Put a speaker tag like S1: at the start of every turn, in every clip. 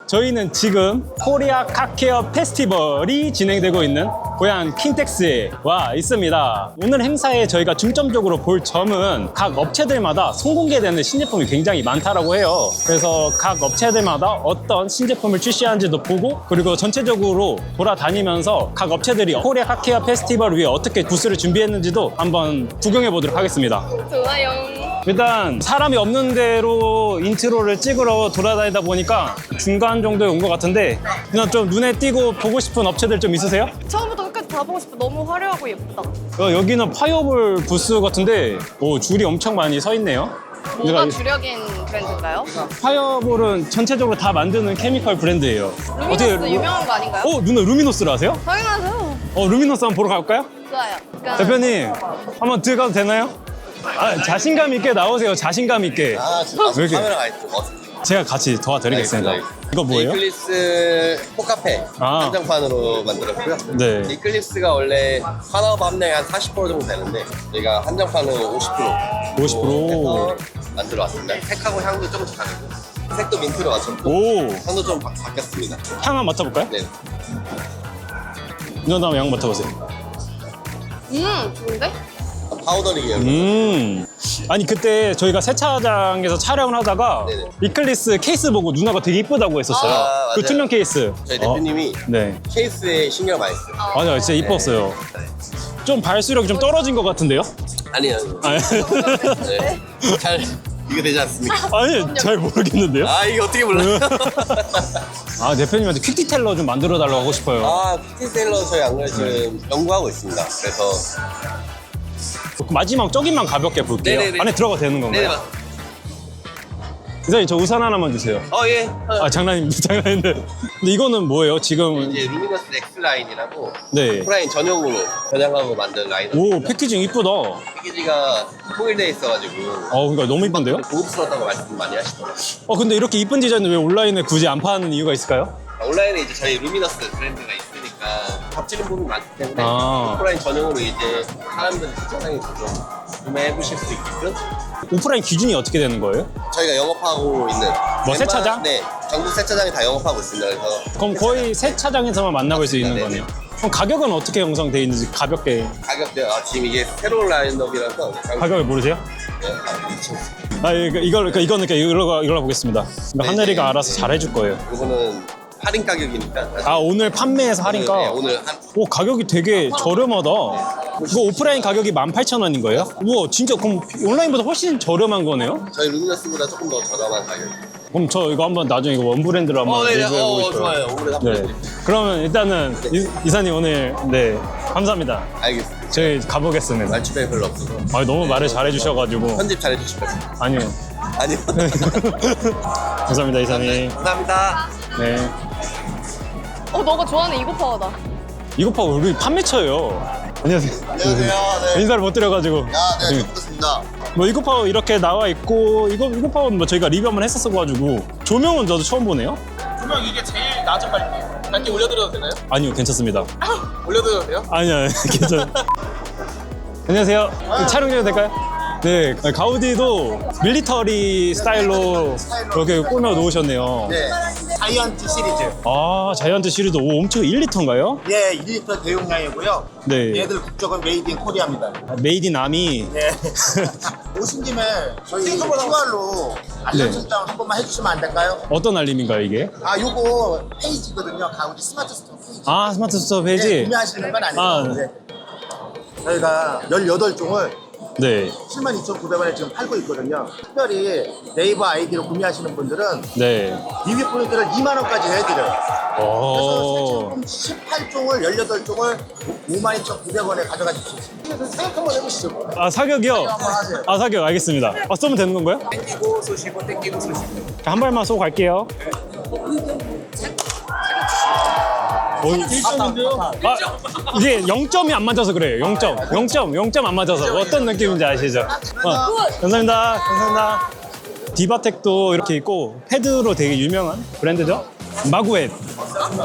S1: 저희는 지금 코리아 카케어 페스티벌이 진행되고 있는 고향 킨텍스에 와 있습니다. 오늘 행사에 저희가 중점적으로 볼 점은 각 업체들마다 선공개되는 신제품이 굉장히 많다라고 해요. 그래서 각 업체들마다 어떤 신제품을 출시하는지도 보고, 그리고 전체적으로 돌아다니면서 각 업체들이 코리아 카케어 페스티벌 위해 어떻게 부스를 준비했는지도 한번 구경해 보도록 하겠습니다.
S2: 좋아요.
S1: 일단 사람이 없는 데로 인트로를 찍으러 돌아다니다 보니까 중간 정도에 온 것 같은데, 그냥 좀 눈에 띄고 보고 싶은 업체들 좀 있으세요?
S2: 처음부터 끝까지 다 보고 싶어. 너무 화려하고 예쁘다.
S1: 여기는 파이어볼 부스 같은데 줄이 엄청 많이 서 있네요.
S2: 뭐가
S1: 내가
S2: 주력인 브랜드인가요?
S1: 파이어볼은 전체적으로 다 만드는 케미컬 브랜드예요.
S2: 루미너스 유명한 거 아닌가요?
S1: 누나 루미노스를 아세요?
S2: 당연하죠.
S1: 루미노스 한번 보러 갈까요?
S2: 좋아요. 그러니까
S1: 대표님 한번 들어가도 되나요? 자신감 있게 나오세요. 자신감 있게.
S3: 진짜
S1: 왜 이렇게?
S3: 카메라가 있어.
S1: 제가 같이 도와드리겠습니다. 이거 뭐예요?
S3: 이클립스 포카페
S1: 아.
S3: 한정판으로 만들었고요.
S1: 네.
S3: 이클립스가 원래 산업 함량이 한 40% 정도 되는데 저희가 한정판으로 50%
S1: 50%.
S3: 만들어 왔습니다. 색하고 향도 조금씩 다르고 색도 민트로 맞췄고
S1: 오,
S3: 향도 좀 바뀌었습니다.
S1: 향 한번 맡아볼까요?
S3: 네.
S1: 누나 한번 향 맡아보세요.
S2: 좋은데?
S3: 파우더링이에요.
S1: 아니 그때 저희가 세차장에서 촬영을 하다가
S3: 네네.
S1: 이클리스 케이스 보고 누나가 되게 이쁘다고 했었어요.
S3: 아,
S1: 그
S3: 맞아요.
S1: 투명 케이스.
S3: 저희 대표님이
S1: 네.
S3: 케이스에 신경 많이 써요.
S1: 맞아요. 진짜 이뻤어요. 좀 발수력이 좀 떨어진 것 같은데요?
S3: 아니요.
S1: 아니,
S3: 네. 잘 이거 되지 않습니까?
S1: 아니 잘 모르겠는데요?
S3: 이거 어떻게 몰라요?
S1: 대표님한테 퀵 디테일러 좀 만들어 달라고 하고 싶어요.
S3: 피티셀러 저희 안 그래도 지금 연구하고 있습니다. 그래서
S1: 마지막 저기만 가볍게 볼게요.
S3: 네네네.
S1: 안에 들어가도 되는 건가요?
S3: 네네.
S1: 이사님 저 우산 하나만 주세요.
S3: 예.
S1: 장난입니다. 장난인데. 근데 이거는 뭐예요? 지금
S3: 이제 루미너스 X 라인이라고
S1: 네.
S3: 오프라인 전용으로 변형하고 만든 라인.
S1: 오 패키징 이쁘다.
S3: 패키지가 통일되어 있어가지고
S1: 그러니까 너무 이쁜데요?
S3: 고급스럽다고 말씀 많이 하시더라고요.
S1: 근데 이렇게 이쁜 디자인을 왜 온라인에 굳이 안 파는 이유가 있을까요?
S3: 온라인에 이제 저희 루미너스 브랜드가 있으니까 겹치는 부분이 많기 때문에
S1: 아.
S3: 오프라인 전용으로 이제 사람들 세차장에서 좀 구매해 보실 수 있게끔
S1: 오프라인 기준이 어떻게 되는 거예요?
S3: 저희가 영업하고 있는
S1: 세차장?
S3: 네, 전국 세차장이 다 영업하고 있습니다. 그래서
S1: 그럼 거의 세차장에서만 만나볼 수 있는
S3: 네.
S1: 거네요. 그럼 가격은 어떻게 형성되어 있는지 가볍게
S3: 가격대 지금 이게 새로운 라인업이라서
S1: 가격을 모르세요? 이거는 이걸로 보겠습니다. 이거 하늘이가 알아서 잘해줄 거예요.
S3: 이거는 할인 가격이니까
S1: 오늘 판매해서 할인가?
S3: 네, 오늘 한
S1: 가격이 되게 저렴하다. 이거 오프라인 가격이 18,000원인 거예요? 우와, 진짜 그럼 온라인보다 훨씬 저렴한 거네요?
S3: 저희 루미너스보다 조금 더 저렴한 가격.
S1: 그럼 저 이거 한번 나중에 이거 원브랜드로 한번 리뷰해보고 싶어요.
S3: 좋아요. 오늘 한번
S1: 네. 그러면 일단은 이사님 오늘 감사합니다.
S3: 알겠습니다.
S1: 저희 가보겠습니다.
S3: 말주변이 별로 없어서
S1: 너무 말을 잘해주셔가지고.
S3: 편집 잘해주실 거죠?
S1: 아니요.
S3: 아니요.
S1: 감사합니다, 이사님.
S3: 감사합니다.
S1: 네.
S2: 너가 좋아하는 이거 파워다.
S1: 이거 봐, 우리 판매처예요. 안녕하세요.
S3: 안녕하세요. 네.
S1: 인사를 못 드려가지고.
S3: 네, 좋습니다.
S1: 이거파워 이렇게 나와 있고, 이거파워는 저희가 리뷰 한번 했었어가지고. 조명은 저도 처음 보네요.
S4: 조명 이게 제일 낮은 밝기예요. 밝기 올려드려도 되나요?
S1: 아니요, 괜찮습니다.
S4: 올려드려도 돼요?
S1: 아니요, 괜찮아요. 안녕하세요. 촬영 좀 될까요? 네, 가우디도 밀리터리 스타일로 그렇게 꾸며 놓으셨네요.
S5: 네, 자이언트 시리즈.
S1: 자이언트 시리즈 엄청 1리터인가요?
S5: 예, 1리터 대용량이고요.
S1: 네.
S5: 얘들 국적은 메이드 인 코리아입니다.
S1: 메이드 인 아미.
S5: 네. 오신 김에 저희 QR로 알림 설정 한 번만 해주시면 안 될까요?
S1: 어떤 알림인가요, 이게?
S5: 요거 페이지거든요. 가우디 스마트 스토어 페이지.
S1: 스마트 스토어 페이지?
S5: 네, 구매하시는 건 아니고.
S1: 아.
S5: 네. 저희가 18종을
S1: 네.
S5: 72,900원에 지금 팔고 있거든요. 특별히 네이버 아이디로 구매하시는 분들은
S1: 네.
S5: 리뷰 포인트를 2만 원까지 해드려요. 그래서
S1: 오.
S5: 세차품 18종을 18종을 52,900원에 가져가실 수 있습니다. 생각 한번 해보시죠.
S1: 사격이요?
S5: 하세요.
S1: 사격 알겠습니다. 쏘면 되는 건가요?
S4: 땡기고 쏘시고 땡기고 쏘시고.
S1: 한 발만 쏘고 갈게요. 이게 0점이 안 맞아서 그래요. 0점 안 맞아서. 어떤 느낌인지 아시죠? 감사합니다. 감사합니다. 디바텍도 이렇게 있고, 패드로 되게 유명한 브랜드죠?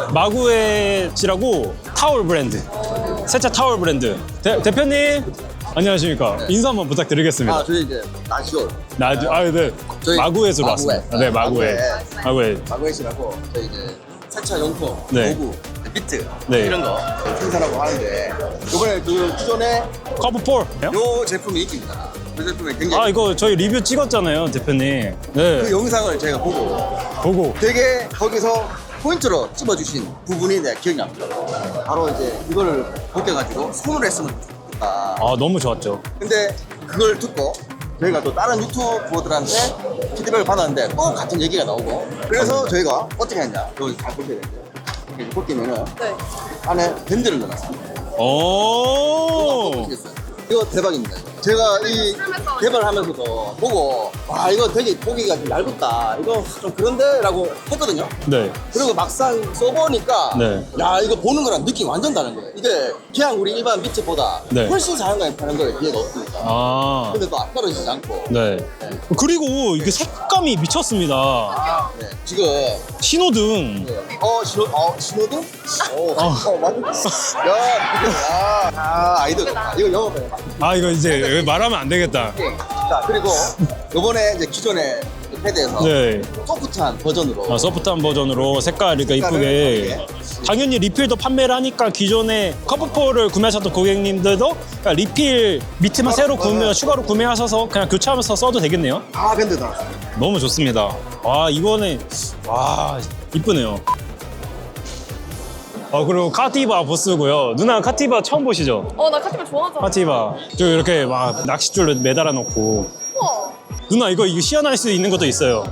S1: 마구엣이라고 타월 브랜드. 세차 타월 브랜드. 대표님, 안녕하십니까. 인사 한번 부탁드리겠습니다.
S5: 저희 이제 나시오.
S1: 네.
S5: 저희
S1: 마구에서
S5: 마구에.
S1: 왔습니다. 네, 마구에. 마구에.
S5: 마구에시라고 저희 이제 세차 용품,
S1: 네.
S5: 도구, 비트
S1: 네.
S5: 이런 거 생산하고 하는데 이번에 그 기존에
S1: 커브폴.
S5: 요 제품이 인기입니다. 그 제품이 굉장히
S1: 이거 저희 리뷰 찍었잖아요, 대표님.
S5: 그
S1: 네.
S5: 영상을 제가 보고 되게 거기서 포인트로 찝어주신 부분이 내 기억이 납니다. 바로 이제 이거를 벗겨가지고 손으로 했으면 좋겠다.
S1: 너무 좋았죠.
S5: 근데 그걸 듣고 저희가 또 다른 유튜버들한테 피드백을 받았는데 또 같은 얘기가 나오고 그래서 저희가 어떻게 했냐 여기 잘 보셔야 되는데 이렇게 벗기면은
S2: 네.
S5: 안에 밴드를 넣어놨어요.
S1: 오.
S5: 보시겠어요? 이거 대박입니다. 이거. 제가 이 개발을 하면서도 보고 와 이거 되게 보기가 좀 얇다 이거 좀 그런데 라고 했거든요.
S1: 네.
S5: 그리고 막상 써보니까
S1: 네.
S5: 야 이거 보는 거랑 느낌이 완전 다른 거예요. 이게 그냥 우리 일반 미트보다
S1: 네.
S5: 훨씬 자연감이 파는 거에 기회가 없으니까. 근데 또 안 떨어지지 않고
S1: 네. 그리고 이게 색감이 미쳤습니다.
S5: 네. 지금
S1: 신호등.
S5: 신호등? 맞아. 아이들 이거 영어 배워.
S1: 이거 이제 말하면 안 되겠다.
S5: 자 그리고 요번에 이제 기존의 패드에서
S1: 네.
S5: 소프트한 버전으로
S1: 소프트한 버전으로 색깔 이렇게 이쁘게. 당연히 리필도 판매를 하니까 기존에 커브폴을 구매하셨던 고객님들도 그냥 리필 미트만 새로 추가로 구매하셔서 그냥 교체하면서 써도 되겠네요.
S5: 밴드 달았습니다.
S1: 너무 좋습니다. 이번에 이쁘네요. 그리고 카티바 보스고요. 누나 카티바 처음 보시죠?
S2: 나 카티바 좋아하잖아.
S1: 카티바. 저 이렇게 막 낚싯줄로 매달아 놓고.
S2: 우와.
S1: 누나 이거 시연할 수 있는 것도 있어요.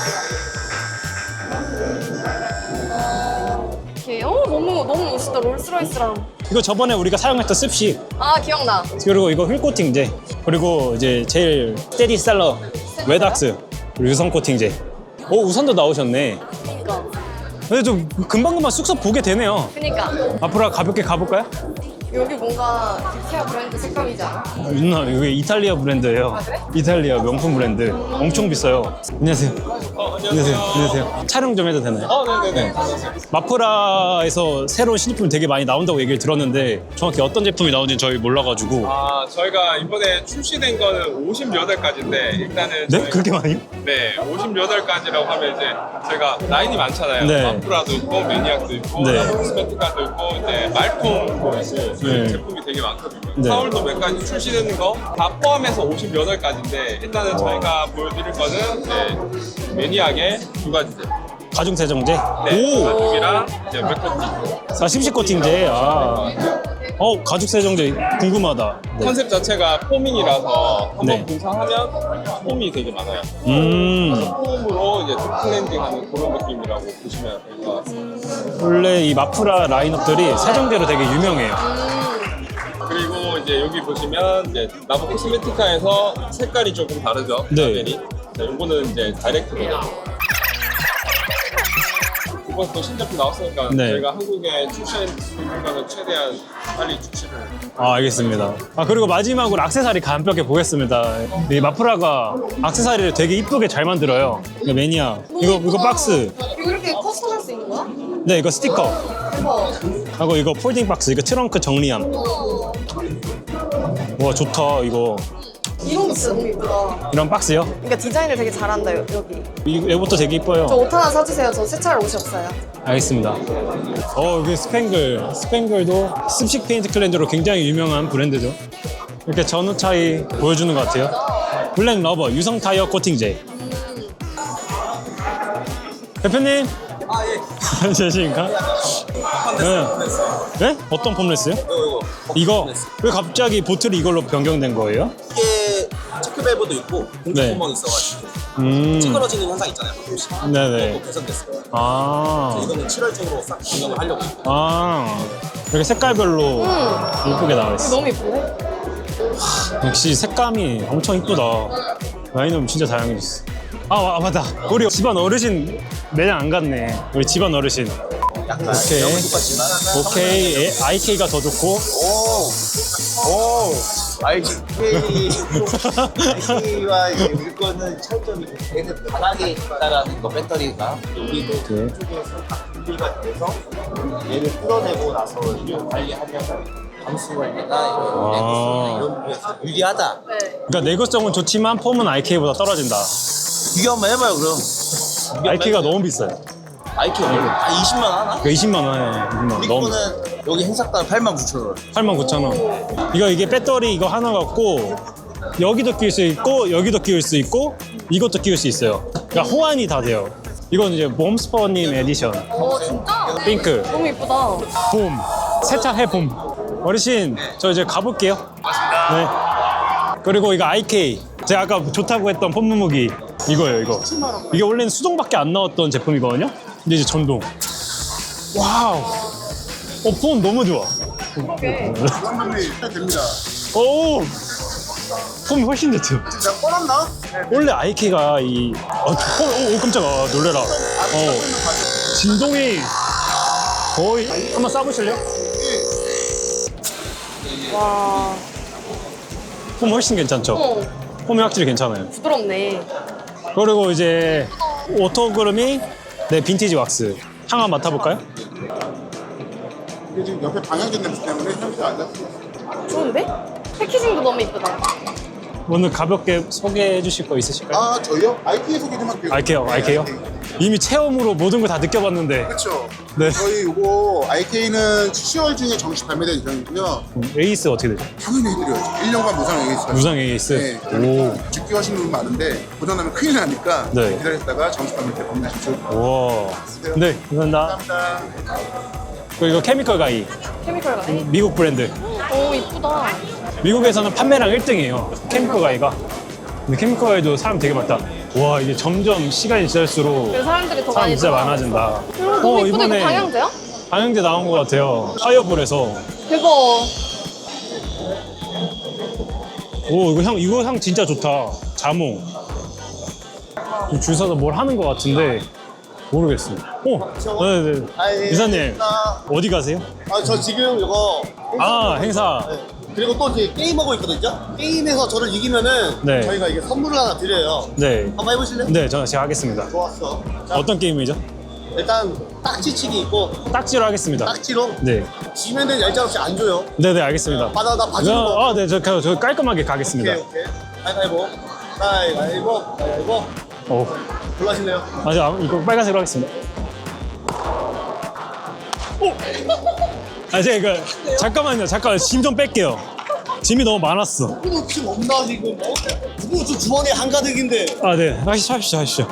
S2: 이렇게 너무 멋있다. 롤스로이스랑.
S1: 이거 저번에 우리가 사용했던 습식.
S2: 기억나.
S1: 그리고 이거 휠 코팅제. 그리고 이제 제일 스테디셀러 웨닥스. 그리고 유선 코팅제. 우선도 나오셨네.
S2: 그니까.
S1: 근데 좀 금방금방 쑥쑥 보게 되네요.
S2: 그니까.
S1: 앞으로 가볍게 가볼까요?
S2: 여기 뭔가 디케아 브랜드 색감이지 않아?
S1: 누나 이게 이탈리아 브랜드예요. 이탈리아 명품 브랜드. 엄청 비싸요. 안녕하세요. 안녕하세요. 촬영 좀 해도 되나요?
S4: 네네네.
S1: 마프라에서 새로운 신제품이 되게 많이 나온다고 얘기를 들었는데 정확히 어떤 제품이 나오는지 저희 몰라가지고.
S4: 저희가 이번에 출시된 거는 58가지인데 일단은
S1: 네? 그렇게 많이요?
S4: 네, 58가지라고 하면 이제 저희가 라인이 많잖아요.
S1: 네.
S4: 마프라도 있고 매니악도 있고
S1: 네.
S4: 코스메티카도 있고 이제 말품도 있고
S1: 네.
S4: 제품이 되게 많거든요.
S1: 네.
S4: 4월도 몇 가지 출시되는 거 다 포함해서 58가지인데 일단은 저희가 보여드릴 거는 이제 매니악의 2가지.
S1: 가중 세정제?
S4: 네,
S1: 오!
S4: 가죽이랑 이제 맥커티.
S1: 심식 코팅제. 가죽 세정제 궁금하다. 네.
S4: 컨셉 자체가 포밍이라서 한번
S1: 네.
S4: 분사하면 폼이 되게 많아요. 폼으로 이제 클렌징하는 그런 느낌이라고 보시면 될 것 같습니다.
S1: 원래 이 마프라 라인업들이 세정제로 되게 유명해요.
S4: 그리고 이제 여기 보시면 이제 나보 코스메티카에서 색깔이 조금 다르죠.
S1: 네.
S4: 라벨이. 이거는 이제 다이렉트거든요. 이번 또 신제품 나왔으니까
S1: 네.
S4: 저희가 한국에 출시할 수 있는 거는 최대한 빨리 출시를.
S1: 알겠습니다. 그리고 마지막으로 액세서리 가볍게 보겠습니다. 이 마프라가 액세서리를 되게 이쁘게 잘 만들어요. 이거 매니아. 이거 박스.
S2: 이거 이렇게 커스텀할 수 있는 거야?
S1: 네, 이거 스티커.
S2: 대박.
S1: 하고 이거 폴딩 박스. 이거 트렁크 정리함. 와, 좋다, 이거.
S2: 이런 거 진짜 너무 이쁘다.
S1: 이런 박스요?
S2: 그러니까 디자인을 되게 잘한다, 여기.
S1: 이것도 되게 이뻐요.
S2: 저 옷 하나 사주세요. 저 세차할 옷이 없어요.
S1: 알겠습니다. 여기 스팽글. 스팽글도 습식 페인트 클렌저로 굉장히 유명한 브랜드죠. 이렇게 전후 차이 보여주는 것 같아요. 블랙 러버 유성 타이어 코팅제. 대표님. 예. 안녕하십니까? 네. 네? 어떤 폼레스요? 이거 왜 갑자기 보틀이 이걸로 변경된 거예요?
S6: 이게 체크밸브도 있고 공기
S1: 네.
S6: 구멍이 있어가지고
S1: 음.
S6: 찌그러지는 현상 있잖아요. 가끔씩.
S1: 네네.
S6: 그것도 개선됐어요.
S1: 아.
S6: 이거는 7월적으로 싹 변경을 하려고.
S1: 이렇게 색깔별로 예쁘게 나와 있어.
S2: 너무 이쁜데?
S1: 역시 색감이 엄청 이쁘다. 라인업 진짜 다양해졌어. 맞다. 우리 집안 어르신 매장 안 갔네. 우리 집안 어르신. 오케이. 오케이. IK가 더 좋고.
S5: IK와 우리 거는 차이점이 얘는 바닥에 있다라는 거 배터리가 여기도
S1: 오케이.
S5: 쪽에서 다 분리가 돼서 얘를 뜯어내고 나서 이걸 관리하면
S6: 감수성이나 이런 이런 부분에서 유리하다.
S2: 네.
S1: 그러니까 내구성은 좋지만 폼은 IK보다 떨어진다.
S6: 비교 한번 해봐요 그럼.
S1: IK가 너무 비싸요.
S6: IQ 한 20만 원 하나?
S1: 그 20만 원에 20만 원
S6: 우리
S1: 너무
S6: 거는 여기 행사당 89,000원.
S1: 89,000원. 이게 배터리 이거 하나 갖고 여기도 끼울 수 있고 여기도 끼울 수 있고 이것도 끼울 수 있어요. 그러니까 호환이 다 돼요. 이건 이제 봄스퍼님 에디션.
S2: 진짜?
S1: 핑크.
S2: 너무 이쁘다.
S1: 봄. 세차해 봄. 어르신 저 이제 가볼게요. 네. 그리고 이거 IK. 제가 아까 좋다고 했던 폼 무기 이거예요 이거. 이게 원래는 수동밖에 안 나왔던 제품이거든요. 근데 이제 전동. 와우. 폼 너무 좋아.
S2: 그러게.
S5: 됩니다.
S1: 오. 폼이 훨씬 좋죠.
S5: 진짜 뻔했나?
S1: 원래 IK가 이 오 깜짝아 놀래라. 진동이 거의 한번 쏴보실래요?
S2: 와.
S1: 폼 훨씬 괜찮죠?
S2: 어,
S1: 폼이 확실히 괜찮아요.
S2: 부드럽네.
S1: 그리고 이제 오토그루미 네 빈티지 왁스 향 맡아볼까요?
S5: 이게 지금 옆에 방향제 냄새 때문에 향기가 안 잡혀.
S2: 좋은데? 패키징도 너무 이쁘다.
S1: 오늘 가볍게 소개해 주실 거 있으실까요?
S5: 아, 저희요? IK 소개 좀 할게요.
S1: IK요? 이미 체험으로 모든 걸 다 느껴봤는데
S5: 그렇죠.
S1: 네.
S5: 저희 이거 IK는 10월 중에 정식 발매될 예정이고요.
S1: 에이스 어떻게 되죠?
S5: 당연히 해드려야죠. 1년간 무상 에이스.
S1: 무상 에이스?
S5: 네.
S1: 오.
S5: 죽기 하시는 분 많은데 고장나면 큰일 나니까
S1: 네.
S5: 기다렸다가 정식 발매 때 구매하십시오.
S1: 우와. 네, 감사합니다.
S5: 감사합니다.
S1: 그리고 이거 케미컬 가이
S2: 케미컬 가네.
S1: 미국 브랜드.
S2: 오, 이쁘다.
S1: 미국에서는 판매량 1등이에요. 케미컬 가이가. 근데 케미컬 가이도 사람 되게 많다. 와, 이게 점점 시간이 지날수록
S2: 그래서 사람들이 더
S1: 사람
S2: 많이
S1: 진짜
S2: 들어와.
S1: 많아진다.
S2: 너무 이쁘다. 이거 방향제야?
S1: 방향제 나온 것 같아요. 파이어볼에서.
S2: 대박.
S1: 오, 이거 향 진짜 좋다. 자몽. 지금 줄 서서 뭘 하는 것 같은데 모르겠어요. 오, 네네. 이사님 어디 가세요?
S5: 아, 저 지금 이거
S1: 아, 행사.
S5: 그리고 또 이제 게임하고 있거든요. 게임에서 저를 이기면은
S1: 네.
S5: 저희가 이게 선물을 하나 드려요.
S1: 네.
S5: 한번 해보실래요?
S1: 네, 제가 하겠습니다.
S5: 좋았어. 자,
S1: 어떤 게임이죠?
S5: 일단 딱지치기 있고
S1: 딱지로 하겠습니다.
S5: 딱지로
S1: 네.
S5: 지면은 얄짤없이 안 줘요.
S1: 네네, 알겠습니다.
S5: 받아 나 봐주는 거.
S1: 아, 네, 저 깔끔하게 가겠습니다.
S5: 오케이. 가위바위보. 가위바위보.
S1: 오.
S5: 골라실래요?
S1: 맞아, 이거 빨간색으로 하겠습니다. 오! 아, 제가 이거 잠깐만요. 짐 좀 뺄게요. 짐이 너무 많았어.
S5: 누구 지금 없나 지금? 누구 저 주머니에 한가득인데.
S1: 아, 네. 하시죠.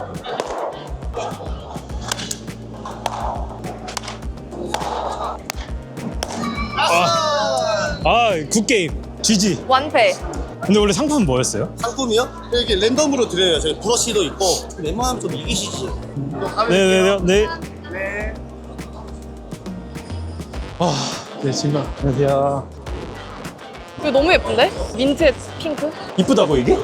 S1: 굿게임. GG.
S2: 완패.
S1: 근데 원래 상품은 뭐였어요?
S5: 상품이요? 이렇게 랜덤으로 드려요. 저희 브러쉬도 있고. 웬만하면 좀 이기시지.
S1: 네. 네, 짐만. 안녕하세요.
S2: 이거 너무 예쁜데? 민트 핑크?
S1: 이쁘다고, 이게?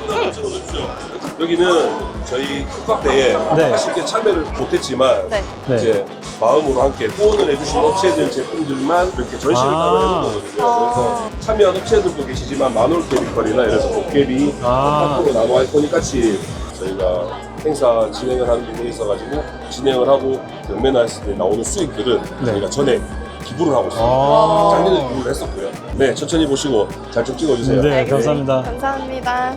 S7: 여기는 저희 국밥대에
S1: 네.
S7: 쉽게 참여를 못했지만
S2: 네.
S1: 네.
S7: 이제 마음으로 함께 후원을 해주신 업체들 제품들만 이렇게 전시를 따로 해놓거든요. 그래서 참여한 업체들도 계시지만 마놀 케미컬이나 이래서 도깨비, 파프로 나노 아이코닉 같이 저희가 행사 진행을 하는 부분이 있어가지고 진행을 하고 경매나 했을 때 나오는 수익들은 저희가 전에 기부를 하고 있습니다. 작년에 기부를 했었고요. 네, 천천히 보시고 잘 좀 찍어주세요.
S1: 네, 감사합니다.
S2: 감사합니다.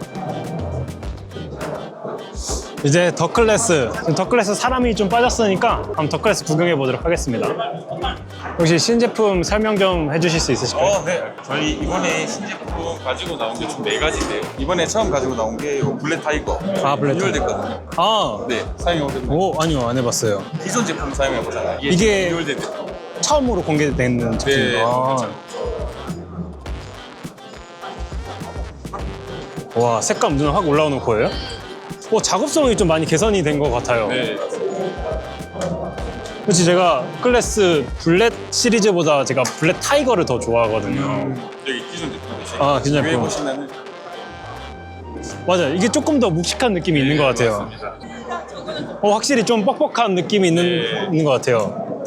S1: 이제 더클래스. 지금 더클래스 사람이 좀 빠졌으니까 한번 더클래스 구경해 보도록 하겠습니다. 혹시 신제품 설명 좀 해주실 수 있으실까요?
S4: 네. 저희 이번에 신제품 가지고 나온 게 총 4가지인데요. 이번에 처음 가지고 나온 게 요 블랙 타이거.
S1: 아, 블랙 타이거.
S4: 리뉴얼됐거든요.
S1: 아,
S4: 네, 사용해보셨나요?
S1: 오, 아니요, 안 해봤어요.
S4: 기존 제품 사용해보잖아요.
S1: 이게
S4: 리뉴얼된 제품.
S1: 처음으로 공개되는 제품.
S4: 네, 그렇죠.
S1: 와, 색감 눈에 확 올라오는 거예요? 작업성이 좀 많이 개선이 된 것 같아요.
S4: 네.
S1: 그렇지, 제가 클래스 블랙 시리즈보다 제가 블랙 타이거를 더 좋아하거든요.
S4: 여기 기존 제품이세요.
S1: 아, 기존
S4: 위에
S1: 제품.
S4: 보시면은
S1: 맞아요. 이게 조금 더 묵직한 느낌이 있는 것 같아요.
S4: 맞습니다.
S1: 확실히 좀 뻑뻑한 느낌이 있는 것 같아요.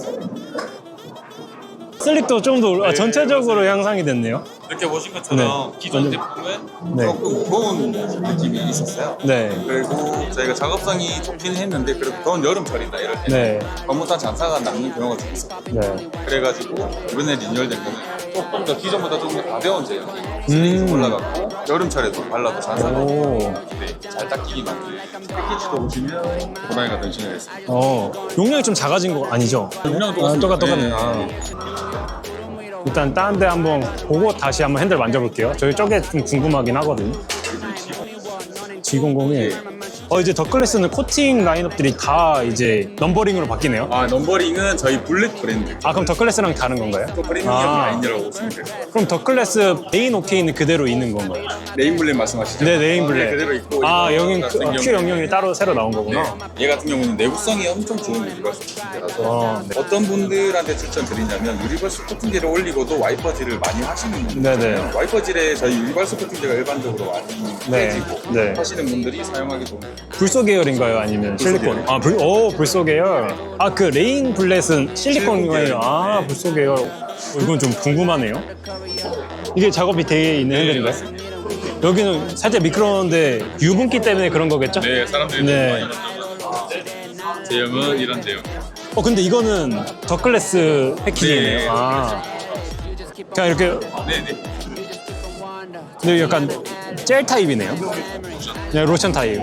S1: 슬립도 좀 더 전체적으로 향상이 됐네요.
S4: 이렇게 보신 것처럼
S1: 네.
S4: 기존
S1: 완전-
S4: 제품은
S1: 네.
S4: 조금 무거운 느낌이 있었어요.
S1: 네.
S4: 그리고 저희가 작업성이 좋긴 했는데 그래도 더운 여름철이다 이럴 때
S1: 네.
S4: 업무단 잔사가 남는 경우가 좀 있어요.
S1: 네.
S4: 그래가지고 이번에 리뉴얼된 거는 조금 더 기존보다 좀 가벼운 제형. 스레이 올라갔고 여름철에도 발라도 잘
S1: 오.
S4: 잘 닦이게 만든 패키지도 보시면 고라니가 변신을 했습니다.
S1: 용량이 좀 작아진 거 아니죠?
S4: 용량은
S1: 똑같네.
S4: 네.
S1: 아. 일단 다른 데 한번 보고 다시 한번 핸들 만져볼게요. 저희 저게 좀 궁금하긴 하거든요. G001. 이제 더클래스는 코팅 라인업들이 다 이제 넘버링으로 바뀌네요.
S4: 넘버링은 저희 블랙 브랜드.
S1: 그럼 더클래스랑 다른 건가요?
S4: 또 프리미엄 라인이라고 보시면 돼요.
S1: 그럼 더클래스 메인 오케이는 그대로 있는 건가요?
S4: 네임 블랙 말씀하시죠?
S1: 네, 네임 블랙.
S4: 네, 그대로 있고.
S1: 여긴
S4: 이거 같은
S1: Q00이 따로 새로 나온 거구나.
S4: 얘 같은 경우는 내구성이 엄청 좋은 유니버스 코팅제라서
S1: 네.
S4: 어떤 분들한테 추천드리냐면 유니버스 코팅제를 올리고도 와이퍼질을 많이 하시는 분들
S1: 네네.
S4: 있잖아요. 와이퍼질에 저희 유니버스 코팅제가 일반적으로 많이
S1: 네.
S4: 빼지고
S1: 네.
S4: 하시는 분들이 사용하기 좋은
S1: 불소 계열인가요? 아니면 실리콘? 불소 계열. 그 레인 블렛은 실리콘이에요. 불소 계열. 이건 좀 궁금하네요. 이게 작업이 되어 있는 핸들인가요? 여기는 살짝 미끄러운데 유분기 때문에 그런 거겠죠?
S4: 네, 사람들이
S1: 네.
S4: 많이 만들어서 제형은 이런 제형.
S1: 근데 이거는 더클래스 패키지네요.
S4: 네.
S1: 그냥 이렇게
S4: 네네.
S1: 근데 약간 젤 타입이네요. 네, 로션 타입.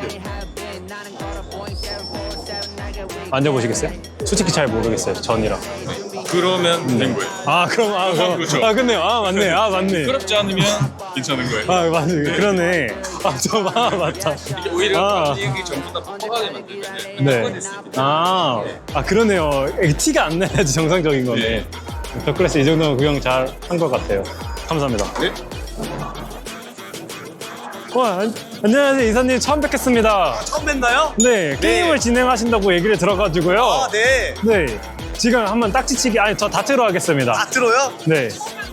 S1: 만져보시겠어요? 솔직히 잘 모르겠어요. 전이랑.
S4: 그러면 된 거예요.
S1: 그럼.
S4: 그렇죠.
S1: 그렇네요. 맞네. 맞네.
S4: 그렇지 않으면 괜찮은 거예요.
S1: 맞네. 그러네. 맞다.
S4: 이게 오히려
S1: 아.
S4: 여기 전부 다 퍽퍽하게 만들면
S1: 네.
S4: 퍽퍽할 수 있기
S1: 그러네요. 티가 안 나야지 정상적인 거네.
S4: 네.
S1: 더클래스 이 정도면 구경 잘 한 것 같아요. 감사합니다.
S4: 네.
S1: 안녕하세요. 이사님 처음 뵙겠습니다.
S6: 처음 뵀나요?
S1: 네, 게임을 진행하신다고 얘기를 들어가지고요.
S6: 네.
S1: 네. 지금 한번 딱지치기, 저 다트로 하겠습니다.
S6: 다트로요?
S1: 네.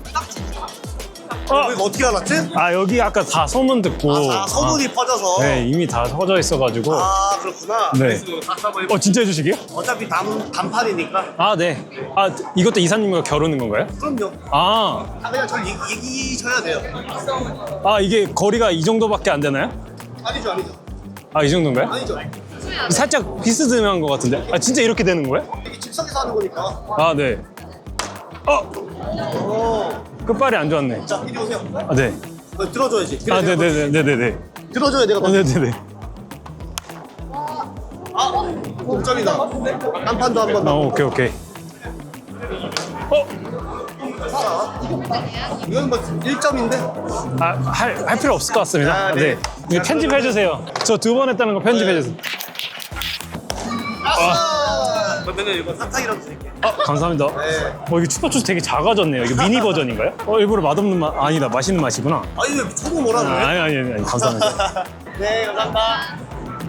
S6: 이거 어떻게 알았지?
S1: 여기 아까 다 소문 듣고.
S6: 소문이 퍼져서.
S1: 네, 이미 다 퍼져 있어가지고.
S6: 그렇구나.
S1: 네. 진짜 해주시게요?
S6: 어차피 단판이니까.
S1: 네. 이것도 이사님과 겨루는 건가요?
S6: 그럼요. 그냥 저 얘기셔야 돼요.
S1: 이게 거리가 이 정도밖에 안 되나요?
S6: 아니죠.
S1: 이 정도인가요?
S6: 아니죠.
S1: 살짝 비스듬한 것 같은데. 진짜 이렇게 되는 거예요?
S6: 이게 즉석에서 하는 거니까.
S1: 네. 끝발이 안 좋았네.
S6: 자, 이리 오세요.
S1: 네.
S6: 들어줘야지.
S1: 네네네네네.
S6: 들어줘야 내가
S1: 네네네.
S6: 동점이다. 단판도 한번 더.
S1: 오케이.
S6: 이건 뭐 1점인데?
S1: 할 필요 없을 것 같습니다.
S6: 네.
S1: 네. 이거 편집해주세요. 저 2번 했다는 거 편집해주세요.
S6: 그러면 이거 사탕이라도 드릴게요.
S1: 감사합니다. 이게 추파추스 되게 작아졌네요. 이게 미니 버전인가요? 일부러 맛없는 맛, 아니다. 맛있는 맛이구나.
S6: 아니 왜 초보 뭐라 그래?
S1: 아니, 감사합니다.
S6: 네, 감사합니다.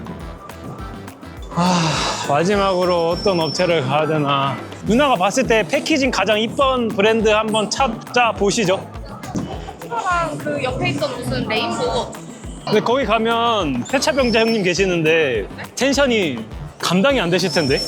S1: 마지막으로 어떤 업체를 가야 되나. 누나가 봤을 때 패키징 가장 이쁜 브랜드 한번 찾아보시죠.
S2: 그 옆에 있던 무슨 레인보우.
S1: 근데 거기 가면 폐차병자 형님 계시는데 텐션이 감당이 안 되실 텐데.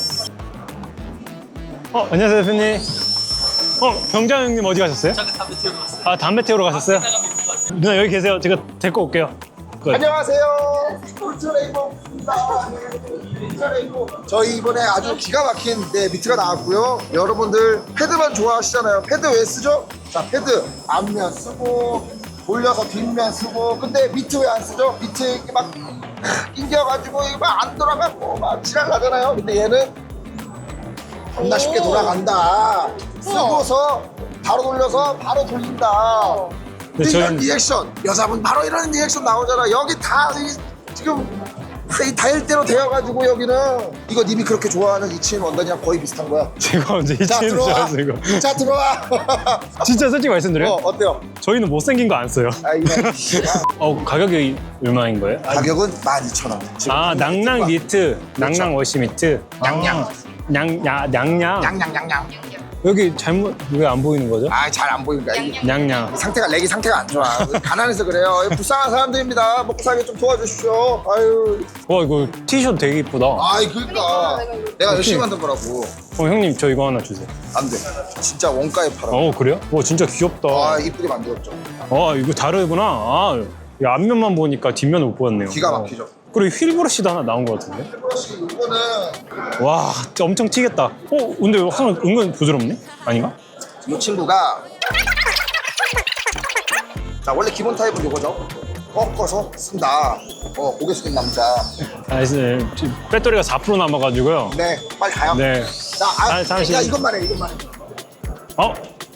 S1: 안녕하세요 대표님. 병자 형님 어디 가셨어요?
S6: 잠깐 담배 태우고 왔어요.
S1: 담배 태우러 가셨어요? 누나 여기 계세요. 제가 데리고 올게요.
S5: 안녕하세요. 울트레이버입니다. 저희 이번에 아주 기가 막힌 미트가 나왔고요. 여러분들 패드만 좋아하시잖아요. 패드 왜 쓰죠? 자, 패드 앞면 쓰고 돌려서 뒷면 쓰고. 근데 미트 왜 안 쓰죠? 미트 이렇게 막 낑겨가지고 이거 막 안 돌아가고 막 지랄 나잖아요. 근데 얘는 겁나 쉽게 돌아간다. 쓰고서 바로 돌려서 바로 돌린다.
S1: 네,
S5: 이런 리액션, 여자분 바로 이런 리액션 나오잖아. 여기 다 지금 이 다일대로 되어가지고 여기는 이거 님이 그렇게 좋아하는 이치인 원단이랑 거의 비슷한 거야.
S1: 제가 언제
S5: 자,
S1: 이치는 줄
S5: 들어와.
S1: 알았어 이거.
S5: 자, 들어와.
S1: 진짜 솔직히 말씀드려요?
S5: 어때요?
S1: 저희는 못생긴 거 안 써요.
S5: 이거
S1: 가격이 얼마인 거예요?
S5: 가격은 12,000원.
S1: 낭낭 니트, 낭낭 워시 미트.
S5: 냥냥.
S1: 냥냥.
S5: 냥냥냥냥.
S1: 여기 잘못 왜 안 보이는 거죠?
S5: 잘 안 보인다.
S1: 냥냥.
S5: 렉이 상태가 안 좋아. 가난해서 그래요. 불쌍한 사람들입니다. 먹고 살기 좀 도와주십시오. 아유.
S1: 이거 티셔츠 되게 이쁘다.
S5: 그러니까 내가 열심히 만든 거라고.
S1: 형님 저 이거 하나 주세요.
S5: 안 돼. 진짜 원가에 팔아.
S1: 그래요? 진짜 귀엽다.
S5: 이쁘게 만들었죠.
S1: 이거 다르구나. 이 앞면만 보니까 뒷면을 못 보았네요.
S5: 기가 막히죠.
S1: 그리고 휠브러쉬도 하나 나온 것 같은데?
S5: 휠브러쉬 이거는
S1: 와, 진짜 엄청 튀겠다. 근데 은근 부드럽네? 아닌가?
S5: 이 친구가 자, 원래 기본 타입은 이거죠. 꺾어서 쓴다. 고개 숙인 남자.
S1: 아, 지금 배터리가 4% 남아가지고요.
S5: 네, 빨리 가요.
S1: 네.
S5: 자,
S1: 잠시-
S5: 야, 이것만 해, 이것만 해.
S1: 어?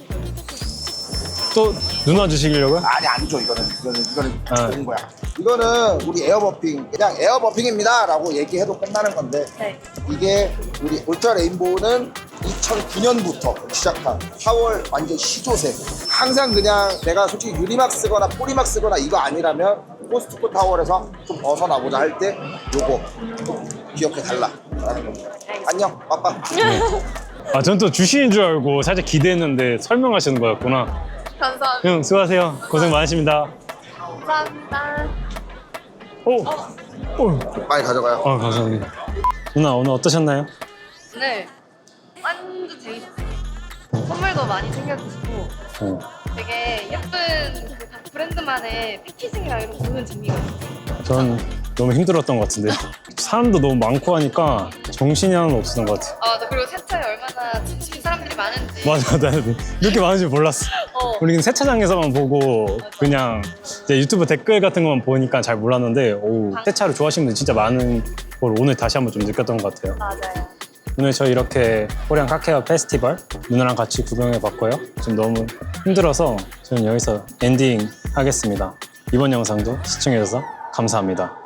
S1: 또 누나 주시려고요?
S5: 아니, 아니죠, 이거는
S1: 아.
S5: 좋은 거야. 이거는 우리 에어버핑, 그냥 에어버핑입니다 라고 얘기해도 끝나는 건데
S2: 네.
S5: 이게 우리 울트라 레인보우는 2009년부터 시작한 4월 완전 시조새. 항상 그냥 내가 솔직히 유리막 쓰거나 포리막 쓰거나 이거 아니라면 코스트코 타월에서 좀 벗어나보자 할 때 요거 꼭 기억해 달라 라는 겁니다. 안녕, 빠빠.
S1: 아, 전 또 주시는 줄 알고 살짝 기대했는데 설명하시는 거였구나.
S2: 감사합니다.
S1: 형, 수고하세요. 고생 많으십니다.
S2: 감사합니다.
S1: 오! 오!
S5: 빨리 가져가요.
S1: 아, 감사합니다. 누나, 오늘 어떠셨나요?
S2: 네. 완전 재밌었어요. 선물도 많이 챙겨주시고
S1: 어.
S2: 되게 예쁜 그 각 브랜드만의 패키징이랑 이런 거 보는 재미가 있어요.
S1: 전 너무 힘들었던 것 같은데. 사람도 너무 많고 하니까 정신이 하나도 없었던 것 같아요.
S2: 아, 나 그리고 세차에 얼마나 진심인 사람들이 많은지.
S1: 맞아, 나는 이렇게 많은 줄 몰랐어. 우리는 세차장에서만 보고 그냥 이제 유튜브 댓글 같은 것만 보니까 잘 몰랐는데 오, 세차를 좋아하시는 분들 진짜 많은 걸 오늘 다시 한번 좀 느꼈던 것 같아요.
S2: 맞아요.
S1: 오늘 저희 이렇게 코리안 카케어 페스티벌 누나랑 같이 구경해 봤고요. 지금 너무 힘들어서 저는 여기서 엔딩 하겠습니다. 이번 영상도 시청해주셔서 감사합니다.